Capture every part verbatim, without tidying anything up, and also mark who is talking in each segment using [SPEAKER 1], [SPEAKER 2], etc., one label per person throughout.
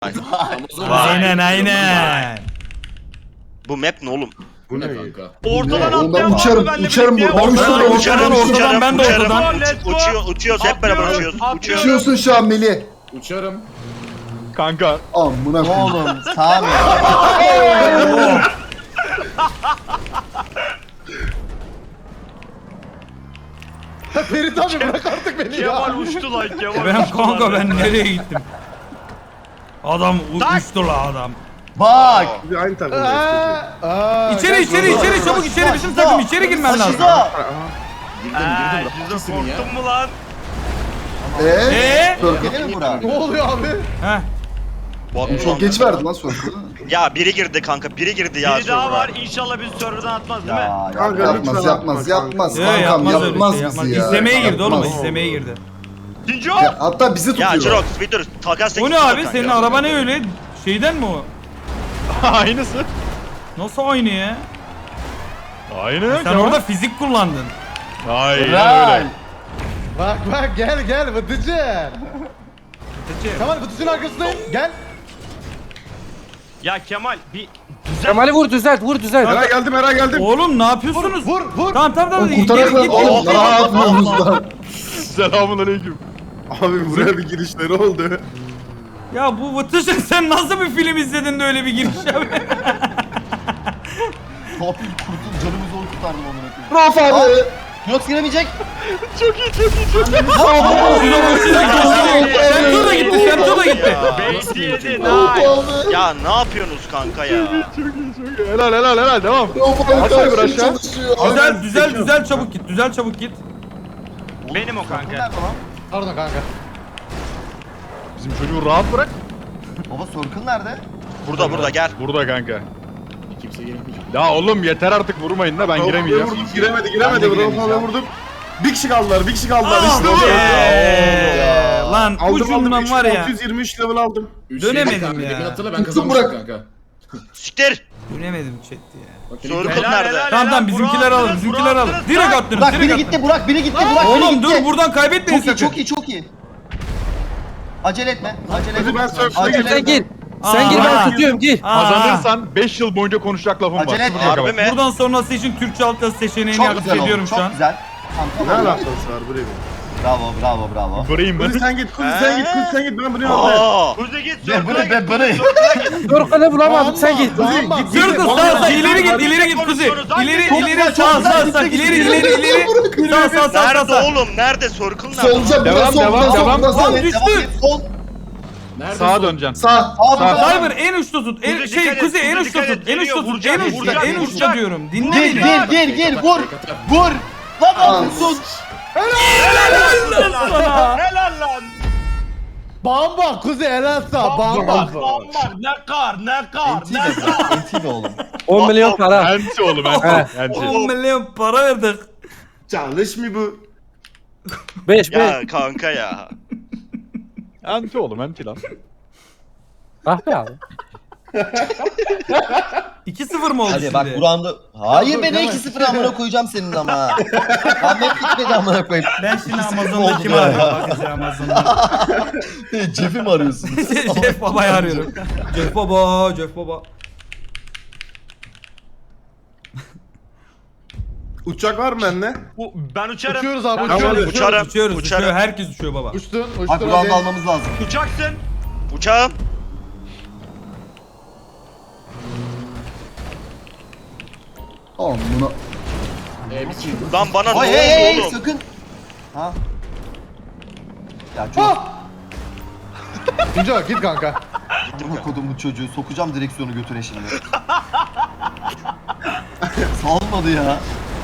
[SPEAKER 1] Aynen aynen.
[SPEAKER 2] Bu map ne oğlum?
[SPEAKER 3] Bu ne kanka?
[SPEAKER 4] Ortadan
[SPEAKER 5] Oğlum ben
[SPEAKER 4] atlayan var
[SPEAKER 5] uçarım,
[SPEAKER 4] mı benimle
[SPEAKER 5] uçarım
[SPEAKER 4] birlikte?
[SPEAKER 5] buradan.
[SPEAKER 1] Ortadan
[SPEAKER 5] Uçarım,
[SPEAKER 1] ortadan
[SPEAKER 5] uçarım,
[SPEAKER 1] ortadan ben de
[SPEAKER 2] uçarım.
[SPEAKER 1] ortadan.
[SPEAKER 2] Uç- uçuyor, uçuyoruz hep beraber
[SPEAKER 4] Atlıyorum,
[SPEAKER 2] uçuyoruz.
[SPEAKER 4] atlıyorum.
[SPEAKER 2] Uçuyoruz.
[SPEAKER 5] Uçuyorsun şu an Melih.
[SPEAKER 3] Uçarım.
[SPEAKER 6] Kanka.
[SPEAKER 5] Amına koyayım.
[SPEAKER 7] Oğlum Sami.
[SPEAKER 8] Ferit abi bırak artık beni ya.
[SPEAKER 4] Kemal uçtu lan Kemal
[SPEAKER 1] Ben
[SPEAKER 4] uçtu
[SPEAKER 1] kanka
[SPEAKER 4] lan.
[SPEAKER 1] ben nereye gittim? Adam u-
[SPEAKER 4] Tak.
[SPEAKER 1] uçtu la adam.
[SPEAKER 7] Bak.
[SPEAKER 8] Bir aynı takımdayız. Aa,
[SPEAKER 1] İçeri
[SPEAKER 8] gel,
[SPEAKER 1] içeri
[SPEAKER 8] gel,
[SPEAKER 1] içeri
[SPEAKER 8] gel.
[SPEAKER 1] çabuk içeri bizim
[SPEAKER 7] Şizo.
[SPEAKER 1] takım içeri girmen lazım.
[SPEAKER 7] Şizo.
[SPEAKER 3] Girdim
[SPEAKER 4] Eee
[SPEAKER 3] girdim.
[SPEAKER 4] yüzde
[SPEAKER 3] Rahatsızsın ya.
[SPEAKER 4] korktun mu lan?
[SPEAKER 5] Eee?
[SPEAKER 1] Eee?
[SPEAKER 7] Gene mi Burak?
[SPEAKER 8] Ne oluyor abi?
[SPEAKER 1] Heh.
[SPEAKER 2] Bu adam-
[SPEAKER 5] Çok geç verdi lan sonra.
[SPEAKER 2] Ya biri girdi kanka, biri girdi ya.
[SPEAKER 4] Biri daha
[SPEAKER 2] sonra.
[SPEAKER 4] var inşallah bizi serverdan atmaz değil mi?
[SPEAKER 7] Ya
[SPEAKER 8] Kanka,
[SPEAKER 7] ya.
[SPEAKER 5] Yapmaz
[SPEAKER 8] lütfen
[SPEAKER 5] yapmaz
[SPEAKER 8] atma
[SPEAKER 5] yapmaz.
[SPEAKER 1] Ee,
[SPEAKER 5] Kankam
[SPEAKER 1] yapmaz öyle
[SPEAKER 5] yapmaz
[SPEAKER 1] şey
[SPEAKER 5] bizi
[SPEAKER 1] yapmaz.
[SPEAKER 5] ya.
[SPEAKER 1] İzlemeye girdi oğlum
[SPEAKER 5] Yapmaz.
[SPEAKER 1] izlemeye girdi.
[SPEAKER 4] İkinci
[SPEAKER 5] Ya,
[SPEAKER 4] o.
[SPEAKER 5] hatta bizi
[SPEAKER 2] Ya
[SPEAKER 5] tutuyor.
[SPEAKER 2] Jirox bir dur. Takas
[SPEAKER 1] O
[SPEAKER 2] teklifi
[SPEAKER 1] ne
[SPEAKER 2] yok
[SPEAKER 1] abi
[SPEAKER 2] kanka.
[SPEAKER 1] senin araba ne öyle? Şeyden mi o?
[SPEAKER 6] Aynısı.
[SPEAKER 1] Nasıl aynı ya?
[SPEAKER 6] Aynı.
[SPEAKER 1] Sen orada fizik kullandın.
[SPEAKER 6] Aynen
[SPEAKER 7] Ray.
[SPEAKER 6] öyle.
[SPEAKER 8] Bak bak gel gel Vıtıcı. Tamam Vıtıcı'nın arkasındayım. Gel.
[SPEAKER 4] Ya Kemal bir
[SPEAKER 9] Kemal'i vur düzelt vur düzelt.
[SPEAKER 8] Eray geldim Eray geldim.
[SPEAKER 1] Oğlum ne yapıyorsunuz?
[SPEAKER 8] Vur vur.
[SPEAKER 1] Tamam tamam tamam.
[SPEAKER 5] Oğlum
[SPEAKER 1] Git,
[SPEAKER 5] kurtarak
[SPEAKER 1] git,
[SPEAKER 5] lan.
[SPEAKER 1] git.
[SPEAKER 5] Oğlum ne yapıyorsunuz lan?
[SPEAKER 6] Selamun aleyküm.
[SPEAKER 8] Abi buraya bir girişleri oldu.
[SPEAKER 1] Ya bu Vıtışı sen nasıl bir film izledin de öyle bir giriş abi?
[SPEAKER 7] Topil kurtul canımı zor kurtardım onu.
[SPEAKER 5] Rauf abi.
[SPEAKER 7] Yok giremeyecek.
[SPEAKER 1] Şemso da gitti Şemso da gitti.
[SPEAKER 4] bekledi
[SPEAKER 5] Rauf
[SPEAKER 4] nice.
[SPEAKER 5] abi.
[SPEAKER 2] Ya ne yapıyorsunuz kanka ya?
[SPEAKER 6] Helal helal helal devam.
[SPEAKER 5] Rauf abi
[SPEAKER 6] Aşağı bir
[SPEAKER 5] karşı
[SPEAKER 6] aşağı.
[SPEAKER 5] çalışıyor.
[SPEAKER 1] Düzel düzel düzel çabuk git düzel çabuk git.
[SPEAKER 4] Benim o kanka.
[SPEAKER 7] Nerede lan?
[SPEAKER 8] Pardon kanka.
[SPEAKER 6] Bizim çocuğu rahat bırak.
[SPEAKER 7] Baba Circle nerede?
[SPEAKER 2] Burada burada gel.
[SPEAKER 6] Burada kanka.
[SPEAKER 3] Kimse gelmeyecek.
[SPEAKER 6] Ya oğlum yeter artık vurmayın da ben giremeyeceğim.
[SPEAKER 8] Vurdum, giremedi giremedi.
[SPEAKER 7] Ben de
[SPEAKER 8] Rauf abi
[SPEAKER 7] giremeyeceğim.
[SPEAKER 8] vurdum. Bir kişi kaldılar bir kişi kaldılar işte bu.
[SPEAKER 1] Eee, Lan
[SPEAKER 8] Aldım aldım
[SPEAKER 1] ucundan var ya.
[SPEAKER 8] altı yüz yirmi üç level aldım.
[SPEAKER 3] Üç
[SPEAKER 1] Dönemedim
[SPEAKER 3] yedi kanka.
[SPEAKER 1] ya.
[SPEAKER 3] Demin hatırla ben
[SPEAKER 5] Tuttum
[SPEAKER 3] kazanmıştım
[SPEAKER 5] bırak.
[SPEAKER 3] kanka.
[SPEAKER 2] Siktir.
[SPEAKER 1] Dönemedim chat ya.
[SPEAKER 3] Bak,
[SPEAKER 2] Circle
[SPEAKER 3] Circle
[SPEAKER 2] nerede?
[SPEAKER 1] Tamam tamam bizimkiler alın bizimkiler alın. Direkt attınız
[SPEAKER 7] Burak
[SPEAKER 1] direkt
[SPEAKER 7] biri
[SPEAKER 1] attınız.
[SPEAKER 7] gitti Burak biri gitti Burak biri
[SPEAKER 1] Oğlum
[SPEAKER 7] gitti.
[SPEAKER 1] dur buradan kaybetmeyin
[SPEAKER 7] Çok iyi
[SPEAKER 1] sakın.
[SPEAKER 7] çok iyi çok iyi. Acele etme. Acele
[SPEAKER 8] Hadi
[SPEAKER 7] etme.
[SPEAKER 8] ben surf'e
[SPEAKER 7] Acele
[SPEAKER 8] geçeceğim.
[SPEAKER 9] Sen gir.
[SPEAKER 1] Aa.
[SPEAKER 9] Sen gir
[SPEAKER 1] Aa.
[SPEAKER 9] ben tutuyorum gir.
[SPEAKER 1] Aa,
[SPEAKER 6] Kazanırsan beş yıl boyunca konuşacak lafım var.
[SPEAKER 7] Acele etme.
[SPEAKER 6] Sıfır
[SPEAKER 2] Harbi
[SPEAKER 6] dakika.
[SPEAKER 2] mi?
[SPEAKER 1] Buradan sonrası için Türkçe alt yazı seçeneğini
[SPEAKER 7] Çok
[SPEAKER 1] aktif
[SPEAKER 7] güzel
[SPEAKER 1] ediyorum
[SPEAKER 7] oldu.
[SPEAKER 1] şu
[SPEAKER 7] Çok
[SPEAKER 1] an.
[SPEAKER 7] güzel. Tamam,
[SPEAKER 8] Ne
[SPEAKER 7] tamam.
[SPEAKER 8] alakası var buraya?
[SPEAKER 7] Bravo bravo bravo.
[SPEAKER 6] Vurayım
[SPEAKER 8] Kuzi
[SPEAKER 6] ben.
[SPEAKER 8] sen git Kuzi sen git Kuzi sen git ben bunu yapayım.
[SPEAKER 2] Aa.
[SPEAKER 4] Kuzi git
[SPEAKER 7] Ben
[SPEAKER 4] circle'a
[SPEAKER 7] bunu ben
[SPEAKER 4] git.
[SPEAKER 7] bunu.
[SPEAKER 9] Circle'ı bulamadım sen git.
[SPEAKER 8] Tamam,
[SPEAKER 1] Git Circle sağ sağ ileri git ileri git Kuzi. İleri ileri sağ sağ sağ ileri ileri ileri. Sağ sağ sağ sağ
[SPEAKER 2] Nerede
[SPEAKER 1] sağ.
[SPEAKER 2] oğlum? Nerede? Circle nerede?
[SPEAKER 5] Solca
[SPEAKER 6] Devam,
[SPEAKER 5] biraz sol
[SPEAKER 6] devam,
[SPEAKER 5] biraz sol
[SPEAKER 6] devam.
[SPEAKER 5] biraz
[SPEAKER 1] Lan
[SPEAKER 5] sol.
[SPEAKER 1] düştü.
[SPEAKER 7] Sol.
[SPEAKER 3] Nerede?
[SPEAKER 6] Sağa döneceksin.
[SPEAKER 5] Sağ.
[SPEAKER 7] Sağ.
[SPEAKER 1] Cyber en uçta tut. En,
[SPEAKER 4] Kuzi
[SPEAKER 1] şey
[SPEAKER 4] dikkat et,
[SPEAKER 1] Kuzi en
[SPEAKER 4] Kuzi
[SPEAKER 1] uçta
[SPEAKER 4] dikkat
[SPEAKER 1] tut.
[SPEAKER 4] et,
[SPEAKER 1] En uçta
[SPEAKER 4] geliyor,
[SPEAKER 1] tut. En
[SPEAKER 4] vuracak,
[SPEAKER 1] uçta
[SPEAKER 4] vuracak,
[SPEAKER 1] en uçta
[SPEAKER 4] vuracak.
[SPEAKER 1] diyorum. Dinle
[SPEAKER 7] Gir
[SPEAKER 1] beni.
[SPEAKER 7] gir gir gir vur. Vur. Lan
[SPEAKER 5] Aa.
[SPEAKER 7] sus.
[SPEAKER 4] Helal lan.
[SPEAKER 8] Bamba Kuzi helal sağ bamba.
[SPEAKER 4] Bamba ne kar ne kar
[SPEAKER 7] Enti
[SPEAKER 4] ne
[SPEAKER 7] be
[SPEAKER 4] kar.
[SPEAKER 7] Burak, enti be oğlum.
[SPEAKER 9] on milyon para.
[SPEAKER 6] Enti oğlum enti. Enti.
[SPEAKER 1] on milyon para verdik.
[SPEAKER 8] Çalış mı bu?
[SPEAKER 9] beş beş.
[SPEAKER 2] Ya kanka ya.
[SPEAKER 6] Enti oğlum enti lan.
[SPEAKER 9] Ah be abi.
[SPEAKER 1] iki sıfır mı oldu
[SPEAKER 7] Hadi
[SPEAKER 1] şimdi?
[SPEAKER 7] bak Burak'ın hayır
[SPEAKER 8] Dur,
[SPEAKER 7] be ne
[SPEAKER 8] hemen.
[SPEAKER 7] iki sıfır amına koyacağım senin ama. Ahmet gitmedi amına koyayım.
[SPEAKER 1] Ben şimdi
[SPEAKER 7] İki sıfır
[SPEAKER 1] Amazon'da
[SPEAKER 7] oldu
[SPEAKER 1] kimi
[SPEAKER 7] ya.
[SPEAKER 1] arıyorum bakacağım Amazon'da.
[SPEAKER 7] Cef'i mi arıyorsun?
[SPEAKER 1] Jeff Baba'yı arıyorum. Jeff Baba, Jeff Baba.
[SPEAKER 8] Uçak var mı bende?
[SPEAKER 4] Bu- Ben uçarım.
[SPEAKER 8] Uçuyoruz abi
[SPEAKER 4] Ben
[SPEAKER 8] uçuyoruz.
[SPEAKER 2] Uçarım.
[SPEAKER 1] Uçuyoruz,
[SPEAKER 2] Uçarım.
[SPEAKER 1] uçuyor. Herkes uçuyor baba.
[SPEAKER 8] Uçtun uçtun
[SPEAKER 7] Bak Burak'ı
[SPEAKER 8] hadi.
[SPEAKER 7] da almamız lazım.
[SPEAKER 4] Uçaksın.
[SPEAKER 2] Uçağım.
[SPEAKER 5] Amına.
[SPEAKER 3] Ee, bir şey.
[SPEAKER 2] Lan bana
[SPEAKER 7] Oy
[SPEAKER 2] ne
[SPEAKER 7] hey hey
[SPEAKER 2] oldu oğlum?
[SPEAKER 7] sakın. Ha. Ya çok
[SPEAKER 8] Tunca git kanka.
[SPEAKER 7] Amına kodumun çocuğu sokacağım direksiyonu götüne şimdi. Salmadı ya.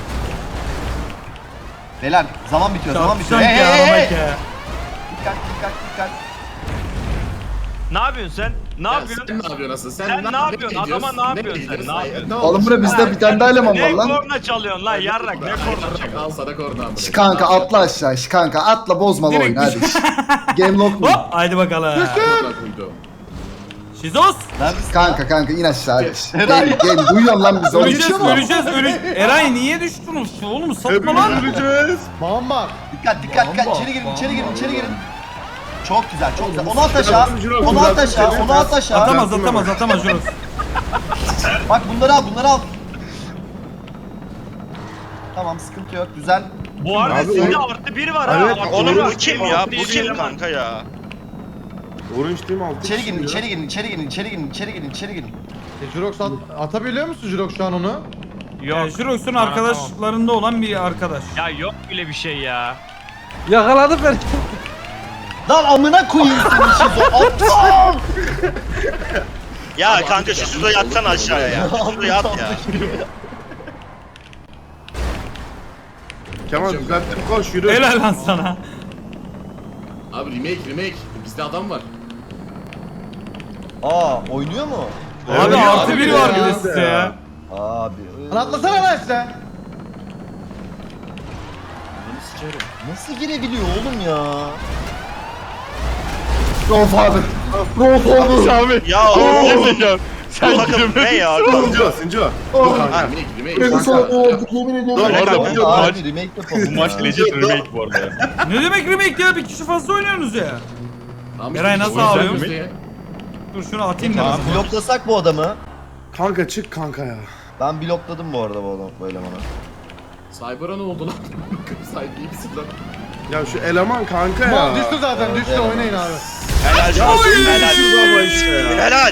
[SPEAKER 7] Beyler zaman bitiyor zaman bitiyor.
[SPEAKER 1] Çarpışan
[SPEAKER 7] Hey
[SPEAKER 1] ki
[SPEAKER 7] hey hey.
[SPEAKER 1] arabayı ya.
[SPEAKER 7] Dikkat dikkat dikkat.
[SPEAKER 4] Ne yapıyorsun sen? Ne
[SPEAKER 3] Ya
[SPEAKER 4] yapıyorsun?
[SPEAKER 3] Sen ne yapıyorsun asıl? Sen,
[SPEAKER 4] Sen ne yapıyorsun?
[SPEAKER 3] ediyorsun?
[SPEAKER 4] Adama ne yapıyorsun sen?
[SPEAKER 3] ediyorsun?
[SPEAKER 4] Ne yapıyorsun?
[SPEAKER 3] Ne
[SPEAKER 5] Oğlum
[SPEAKER 3] oldu?
[SPEAKER 5] buraya bizde bir tane daha eleman var
[SPEAKER 4] Ne
[SPEAKER 5] lan.
[SPEAKER 4] korna çalıyorsun lan yarrak ne korna çalıyorsun?
[SPEAKER 3] Al sana korna amına.
[SPEAKER 5] Şş, kanka atla aşağı. şş, kanka atla bozma
[SPEAKER 1] Direkt
[SPEAKER 5] oyunu hadi. şş. Game lock mu?
[SPEAKER 1] Hop, haydi bakalım.
[SPEAKER 3] Korna koydu.
[SPEAKER 1] Şizos.
[SPEAKER 7] Neredesin?
[SPEAKER 5] Kanka kanka in aşağı hadi. şş.
[SPEAKER 7] Eray.
[SPEAKER 5] Game game duyuyorsun lan bizi. Oğlum,
[SPEAKER 1] Öleceğiz,
[SPEAKER 5] düşüyor mu?
[SPEAKER 1] öleceğiz, öleceğiz. Eray niye düştün? Oğlum satma lan.
[SPEAKER 8] Hepimiz öleceğiz. Bamba.
[SPEAKER 7] Dikkat dikkat dikkat
[SPEAKER 1] Bamba,
[SPEAKER 7] içeri girin içeri girin içeri girin. Çok güzel, çok güzel. Onu at aşağı, onu at aşağı, onu at aşağı.
[SPEAKER 1] Atamaz atamaz atamaz Jurox.
[SPEAKER 7] Bak bunları al, bunları al. Tamam, sıkıntı yok, güzel.
[SPEAKER 4] Bu arada sizde artı bir var ha. Artı
[SPEAKER 2] Oğlum
[SPEAKER 4] bir
[SPEAKER 2] bu
[SPEAKER 4] var.
[SPEAKER 2] kim ya?
[SPEAKER 4] Artı
[SPEAKER 2] Bu
[SPEAKER 4] bir
[SPEAKER 2] kim
[SPEAKER 4] eleman.
[SPEAKER 2] kanka ya?
[SPEAKER 7] İçeri girin, içeri girin, içeri girin, içeri girin, içeri girin, içeri girin.
[SPEAKER 8] E, Jurox at, atabiliyor musun Jurox şu an onu?
[SPEAKER 4] Yok.
[SPEAKER 1] Ee, Jurox'un
[SPEAKER 4] Tamam,
[SPEAKER 1] arkadaşlarında olan bir arkadaş.
[SPEAKER 4] Ya yok öyle bir şey ya.
[SPEAKER 9] Yakaladım beni.
[SPEAKER 7] Lan amına koyayım seni şizo. Aptal!
[SPEAKER 2] Ya kanka şu suda yatsana aşağıya ya. Şu suda yat ya.
[SPEAKER 3] Kemal düzelttim koş yürü.
[SPEAKER 1] Helal lan sana.
[SPEAKER 3] Abi remake remake. Bizde adam var.
[SPEAKER 7] Aa, oynuyor mu?
[SPEAKER 1] Abi
[SPEAKER 8] Evet,
[SPEAKER 1] artı
[SPEAKER 8] abi
[SPEAKER 1] bir
[SPEAKER 8] ya.
[SPEAKER 1] var bir de size ya.
[SPEAKER 7] Abi.
[SPEAKER 8] Lan atlasana lan aşağı.
[SPEAKER 7] Nasıl girebiliyor oğlum ya?
[SPEAKER 5] Grandfather. Grandfather.
[SPEAKER 6] Abi.
[SPEAKER 2] Ya oğlum
[SPEAKER 6] Ya.
[SPEAKER 2] bu takım ne ya?
[SPEAKER 3] Sinco Sinco.
[SPEAKER 5] Oh.
[SPEAKER 3] Kanka remake remake.
[SPEAKER 5] Beni sana
[SPEAKER 3] Kanka.
[SPEAKER 5] boğduk yemin ediyorum.
[SPEAKER 6] Dur,
[SPEAKER 7] Abi,
[SPEAKER 6] bu maç-
[SPEAKER 7] abi remake yapalım
[SPEAKER 6] Bu maç
[SPEAKER 7] ya.
[SPEAKER 6] legit remake bu arada ya.
[SPEAKER 1] Ne demek remake ya? Bir kişi fazla oynuyorsunuz ya.
[SPEAKER 3] Tamam,
[SPEAKER 1] Eray
[SPEAKER 3] işte
[SPEAKER 1] nasıl
[SPEAKER 3] o yüzden
[SPEAKER 1] ağlıyor?
[SPEAKER 3] bizde ya.
[SPEAKER 1] Dur şunu atayım da.
[SPEAKER 7] Tamam, bloklasak bu adamı.
[SPEAKER 10] Kanka çık kanka ya.
[SPEAKER 7] Ben blokladım bu arada bu adam bu elemanı.
[SPEAKER 3] Cyber'a ne oldu lan? Cyber iyi misin lan?
[SPEAKER 10] Ya şu eleman kanka ya.
[SPEAKER 8] Mal düştü zaten, düştü
[SPEAKER 7] Evet.
[SPEAKER 8] oynayın abi.
[SPEAKER 2] Helal olsun helal.
[SPEAKER 10] Şurada işte ya.
[SPEAKER 2] Helal.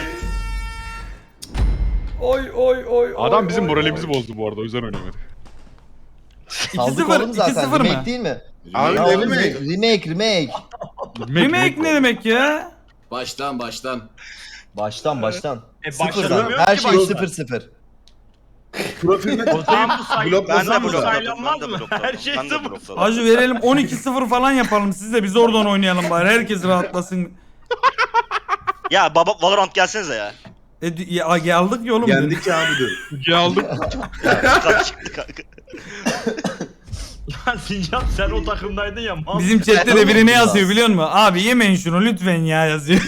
[SPEAKER 1] Oy oy oy.
[SPEAKER 6] Adam bizim moralimizi bozdu bu arada o yüzden oynamadı.
[SPEAKER 7] Saldık
[SPEAKER 1] sıfır,
[SPEAKER 7] oğlum
[SPEAKER 1] iki
[SPEAKER 7] zaten.
[SPEAKER 1] sıfır mı?
[SPEAKER 7] Remake değil mi?
[SPEAKER 10] Abi
[SPEAKER 7] Ya
[SPEAKER 10] ne
[SPEAKER 7] oğlum,
[SPEAKER 10] remake?
[SPEAKER 7] Remake, remake.
[SPEAKER 1] Remake ne demek ya?
[SPEAKER 3] Baştan baştan.
[SPEAKER 7] Baştan baştan.
[SPEAKER 4] E
[SPEAKER 7] Sıfır
[SPEAKER 4] başlamıyor
[SPEAKER 7] zaten.
[SPEAKER 4] ki
[SPEAKER 7] Her şey
[SPEAKER 4] baştan.
[SPEAKER 7] sıfır sıfır.
[SPEAKER 10] Profilde
[SPEAKER 4] O zaman bu say-
[SPEAKER 10] Blok-
[SPEAKER 2] Ben de
[SPEAKER 4] bu
[SPEAKER 2] blokladım.
[SPEAKER 4] saylanmaz
[SPEAKER 2] Ben de
[SPEAKER 4] mı?
[SPEAKER 2] blokladım.
[SPEAKER 4] Her şey
[SPEAKER 2] Ben de
[SPEAKER 4] sıfır.
[SPEAKER 2] blokladım.
[SPEAKER 1] Hacı verelim on iki sıfır falan yapalım siz de biz oradan oynayalım bari herkes rahatlasın.
[SPEAKER 2] Ya baba Valorant gelsenize ya.
[SPEAKER 1] E, d- ya, geldik ya oğlum.
[SPEAKER 10] yendik ya abi dur.
[SPEAKER 6] Kukiye aldık.
[SPEAKER 2] Güzel çıktı kanka.
[SPEAKER 4] Lan Sincan sen o takımdaydın ya. mal.
[SPEAKER 1] Bizim chatte de biri ne yazıyor biliyor musun? Abi yemeyin şunu lütfen ya yazıyor.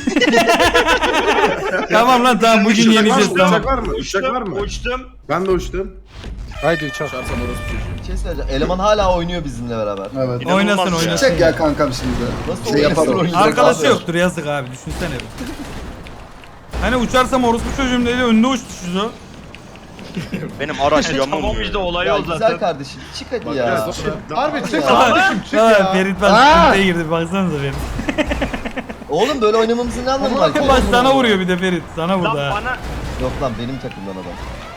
[SPEAKER 1] Tamam lan tamam bugün yeneceğiz
[SPEAKER 10] Uçak
[SPEAKER 1] tamam.
[SPEAKER 10] var mı? Uçak var mı?
[SPEAKER 4] Uçtum.
[SPEAKER 10] Ben de uçtum.
[SPEAKER 9] Haydi uçak.
[SPEAKER 3] Çarsam orası çocuğu.
[SPEAKER 7] Bir şey söyleyeceğim. Eleman hala oynuyor bizimle beraber.
[SPEAKER 5] Evet.
[SPEAKER 2] İnanılmaz
[SPEAKER 1] Oynasın,
[SPEAKER 2] ya.
[SPEAKER 1] oynasın.
[SPEAKER 5] Çek ya kankam şimdi.
[SPEAKER 7] Nasıl
[SPEAKER 5] Şey
[SPEAKER 7] oynasın
[SPEAKER 5] yapalım.
[SPEAKER 7] oynayacak
[SPEAKER 1] Arkadaşı
[SPEAKER 7] abi?
[SPEAKER 1] yoktur yazık abi düşünsene. bir. Hani uçarsam orospu çocuğum dedi önde uçtu şu.
[SPEAKER 2] Benim araç
[SPEAKER 4] Tamam
[SPEAKER 2] yanmıyor.
[SPEAKER 4] işte olay
[SPEAKER 7] Ya
[SPEAKER 4] o
[SPEAKER 7] güzel
[SPEAKER 4] zaten.
[SPEAKER 7] kardeşim çık hadi
[SPEAKER 3] Bak
[SPEAKER 7] ya.
[SPEAKER 3] biraz sonra.
[SPEAKER 8] Harbi çık
[SPEAKER 7] Ya.
[SPEAKER 8] kardeşim çık
[SPEAKER 1] Ha,
[SPEAKER 8] ya.
[SPEAKER 1] Ferit ben
[SPEAKER 5] Aa!
[SPEAKER 1] sıkıntıya girdi baksanıza Ferit.
[SPEAKER 7] Oğlum böyle oynamamızın ne anlamı var?
[SPEAKER 1] Baş sana vuruyor bir de Ferit sana
[SPEAKER 4] Lan
[SPEAKER 1] vurdu ha.
[SPEAKER 4] bana
[SPEAKER 7] Yok lan benim takımdan adam.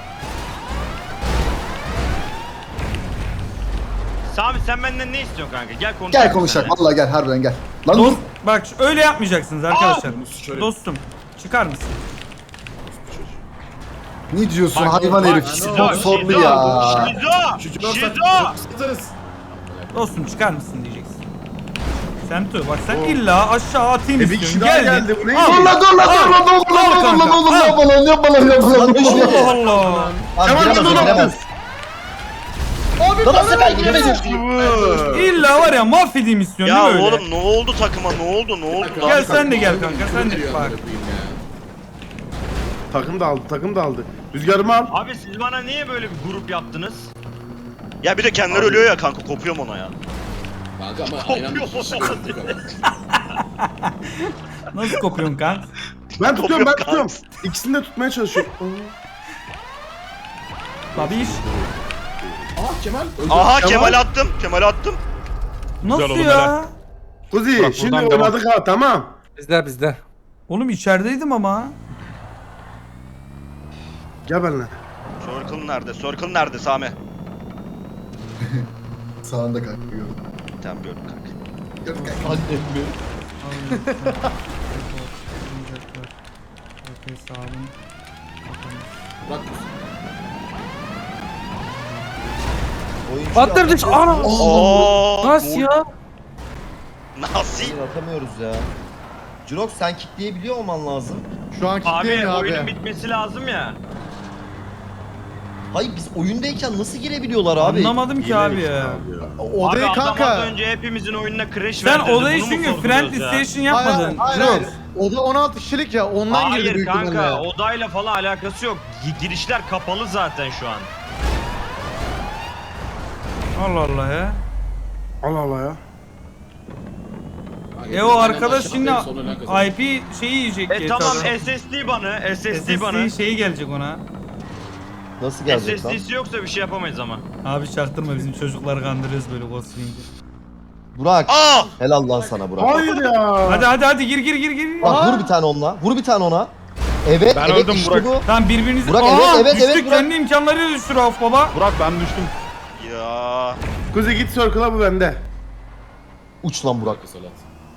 [SPEAKER 4] Sami sen benden ne istiyorsun kanka? Gel konuşalım.
[SPEAKER 5] Gel konuşalım. Vallahi gel harbiden gel. Lan dur.
[SPEAKER 1] Dost, bak şu- öyle yapmayacaksınız arkadaşlar.
[SPEAKER 3] Şöyle.
[SPEAKER 1] Dostum çıkar mısın?
[SPEAKER 5] Ne diyorsun
[SPEAKER 4] Bak,
[SPEAKER 5] hayvan
[SPEAKER 4] bak,
[SPEAKER 5] herif?
[SPEAKER 4] Şizo,
[SPEAKER 5] Çok sordu
[SPEAKER 4] Şizo,
[SPEAKER 5] ya.
[SPEAKER 4] Şizo!
[SPEAKER 3] Çocuk
[SPEAKER 4] Şizo!
[SPEAKER 3] satarız.
[SPEAKER 1] Dostum çıkar mısın diyeceksin. Semtu bak sen illa aşağı atayım
[SPEAKER 10] E, bir
[SPEAKER 1] istiyorsun.
[SPEAKER 10] kişi daha
[SPEAKER 1] Geldin.
[SPEAKER 10] geldi, bu ne?
[SPEAKER 1] Al.
[SPEAKER 5] Dur lan dur lan dur lan dur lan dur lan dur lan oğlum yapma lan yapma lan yapma lan.
[SPEAKER 1] Allah Allah.
[SPEAKER 7] Abi
[SPEAKER 5] Kemal,
[SPEAKER 7] giremez
[SPEAKER 5] dur
[SPEAKER 7] o
[SPEAKER 5] lan.
[SPEAKER 7] giremez.
[SPEAKER 8] Abi
[SPEAKER 7] Lan nasıl ben giremedim?
[SPEAKER 1] İlla var ya mahvedeyim istiyorsun
[SPEAKER 2] Ya
[SPEAKER 1] değil mi öyle?
[SPEAKER 2] oğlum ne oldu takıma ne oldu ne oldu lan?
[SPEAKER 1] Gel sen de gel kanka sen de bak.
[SPEAKER 10] Takım da aldı takım da aldı. Rüzgarımı al.
[SPEAKER 4] Abi siz bana niye böyle bir grup yaptınız?
[SPEAKER 2] Ya bir de kendileri ölüyor ya kanka kopuyorum ona ya.
[SPEAKER 3] Kanka ama aynen bir kişi yaptık ama.
[SPEAKER 1] Nasıl kopuyorsun kanka?
[SPEAKER 10] Ben tutuyorum ben
[SPEAKER 2] Kopuyor
[SPEAKER 10] tutuyorum. İkisini de tutmaya çalışıyorum.
[SPEAKER 1] Babiş.
[SPEAKER 3] Aa Kemal.
[SPEAKER 2] Aha Kemal attım Kemal attım.
[SPEAKER 1] Nasıl
[SPEAKER 6] oğlum,
[SPEAKER 1] ya?
[SPEAKER 6] helal.
[SPEAKER 10] Kuzi
[SPEAKER 6] Bırak,
[SPEAKER 10] şimdi
[SPEAKER 6] buradan devam.
[SPEAKER 10] oynadık ha tamam.
[SPEAKER 9] Bizde bizde.
[SPEAKER 1] Oğlum içerideydim ama.
[SPEAKER 10] Gel benimle.
[SPEAKER 2] Circle nerede? Circle nerede Sami?
[SPEAKER 5] Sağında kanka gördüm.
[SPEAKER 2] Tamam gördüm kanka.
[SPEAKER 5] Gördüm kanka.
[SPEAKER 7] Annem mi?
[SPEAKER 3] Bak.
[SPEAKER 7] Oyuncu
[SPEAKER 9] Battırdık. Ana.
[SPEAKER 2] Oo,
[SPEAKER 9] Nasıl ya?
[SPEAKER 2] Nasıl?
[SPEAKER 7] Hayır, atamıyoruz ya. Jirox sen kickleyebiliyor olman lazım.
[SPEAKER 8] Şu an
[SPEAKER 4] Abi
[SPEAKER 8] kilitleyemiyor
[SPEAKER 4] oyunun
[SPEAKER 8] abi.
[SPEAKER 4] bitmesi lazım ya.
[SPEAKER 7] Hayır biz oyundayken nasıl girebiliyorlar abi?
[SPEAKER 1] Anlamadım ki abi ya.
[SPEAKER 8] Odayı
[SPEAKER 4] Abi adam az
[SPEAKER 8] kanka.
[SPEAKER 4] önce hepimizin oyununa crash
[SPEAKER 1] Sen
[SPEAKER 4] verdirdi.
[SPEAKER 1] olayı
[SPEAKER 4] Bunu mu
[SPEAKER 1] çünkü
[SPEAKER 4] sorguluyoruz
[SPEAKER 1] friendly
[SPEAKER 4] ya?
[SPEAKER 1] station
[SPEAKER 8] Hayır,
[SPEAKER 1] yapmadın.
[SPEAKER 8] hayır,
[SPEAKER 1] Jirox.
[SPEAKER 8] hayır. Oda on altı kişilik ya ondan girdi
[SPEAKER 4] Hayır
[SPEAKER 8] büyük
[SPEAKER 4] kanka
[SPEAKER 8] ihtimalle.
[SPEAKER 4] odayla falan alakası yok. Gi- Girişler kapalı zaten şu an.
[SPEAKER 1] Allah Allah ya.
[SPEAKER 10] Allah Allah ya.
[SPEAKER 1] E o arkadaş
[SPEAKER 3] Aşağıda
[SPEAKER 1] şimdi
[SPEAKER 3] en son ölen kazanır.
[SPEAKER 1] I P şeyi yiyecek
[SPEAKER 4] E
[SPEAKER 1] G
[SPEAKER 4] tamam
[SPEAKER 1] T A'da.
[SPEAKER 4] S S D banı, S S D banı.
[SPEAKER 1] S S D şeyi gelecek ona.
[SPEAKER 7] Nasıl gelecek
[SPEAKER 4] S
[SPEAKER 7] lan?
[SPEAKER 4] S D'si yoksa bir şey yapamayız ama.
[SPEAKER 1] Abi çaktırma bizim çocukları kandırıyoruz böyle ghostlayınca.
[SPEAKER 7] Burak.
[SPEAKER 2] Aa!
[SPEAKER 7] Helal lan sana Burak.
[SPEAKER 10] Hayır ya.
[SPEAKER 1] Hadi hadi hadi gir gir gir gir.
[SPEAKER 7] Bak
[SPEAKER 8] Aa.
[SPEAKER 7] vur bir tane onunla. Vur bir tane ona. Evet,
[SPEAKER 6] Ben
[SPEAKER 7] evet
[SPEAKER 6] öldüm
[SPEAKER 7] işte
[SPEAKER 6] Burak.
[SPEAKER 7] bu.
[SPEAKER 1] Tamam birbirinizi...
[SPEAKER 7] Burak,
[SPEAKER 1] Aa,
[SPEAKER 7] evet, evet,
[SPEAKER 1] düştük
[SPEAKER 7] evet, Burak.
[SPEAKER 1] kendi imkanlarıyla düştü Rauf baba.
[SPEAKER 6] Burak ben düştüm.
[SPEAKER 2] Ya.
[SPEAKER 10] Kuzi git circle'a bu bende.
[SPEAKER 7] Uç lan Burak.
[SPEAKER 3] Salat.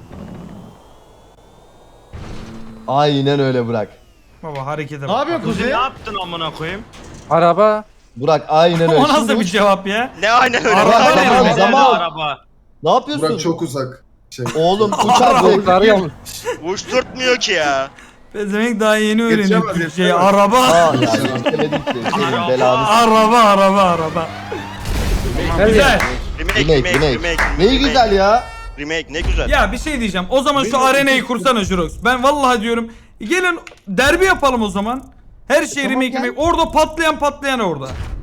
[SPEAKER 7] Aynen öyle Burak.
[SPEAKER 1] Baba harekete
[SPEAKER 8] Ne
[SPEAKER 1] bak.
[SPEAKER 8] yapıyorsun
[SPEAKER 4] Kuzi ne
[SPEAKER 8] Kuzi?
[SPEAKER 4] yaptın amına koyayım?
[SPEAKER 9] Araba.
[SPEAKER 7] Burak aynen öyle.
[SPEAKER 1] O nasıl
[SPEAKER 7] Şimdi
[SPEAKER 1] bir
[SPEAKER 7] uç.
[SPEAKER 1] cevap ya?
[SPEAKER 2] Ne aynen öyle.
[SPEAKER 1] Araba
[SPEAKER 7] Burak,
[SPEAKER 1] ne?
[SPEAKER 7] zaman,
[SPEAKER 4] Nerede
[SPEAKER 7] zaman.
[SPEAKER 4] araba?
[SPEAKER 7] Ne yapıyorsun?
[SPEAKER 5] Burak çok uzak. Şey.
[SPEAKER 7] Oğlum uç artık.
[SPEAKER 9] Yolları yanlış.
[SPEAKER 2] Uçturtmuyor ki ya.
[SPEAKER 1] Pezevenk daha yeni öğreniyor
[SPEAKER 10] Yetişemez,
[SPEAKER 1] Türkçeyi.
[SPEAKER 10] yetişemez.
[SPEAKER 1] Araba.
[SPEAKER 7] Aa ya istemedik ki. Senin belanı.
[SPEAKER 1] Araba araba araba.
[SPEAKER 9] Her
[SPEAKER 1] Güzel.
[SPEAKER 9] yer.
[SPEAKER 2] Remake,
[SPEAKER 7] Remake,
[SPEAKER 2] remake,
[SPEAKER 7] remake.
[SPEAKER 2] remake.
[SPEAKER 7] Neyi
[SPEAKER 2] remake.
[SPEAKER 7] güzel ya?
[SPEAKER 2] Remake ne güzel.
[SPEAKER 1] Ya bir şey diyeceğim. O zaman şu arenayı kursana Jurox. Ben vallahi diyorum. Gelin derbi yapalım o zaman. Her şey
[SPEAKER 7] Tamam,
[SPEAKER 1] remake
[SPEAKER 7] gel.
[SPEAKER 1] remake. Orada patlayan patlayan orada.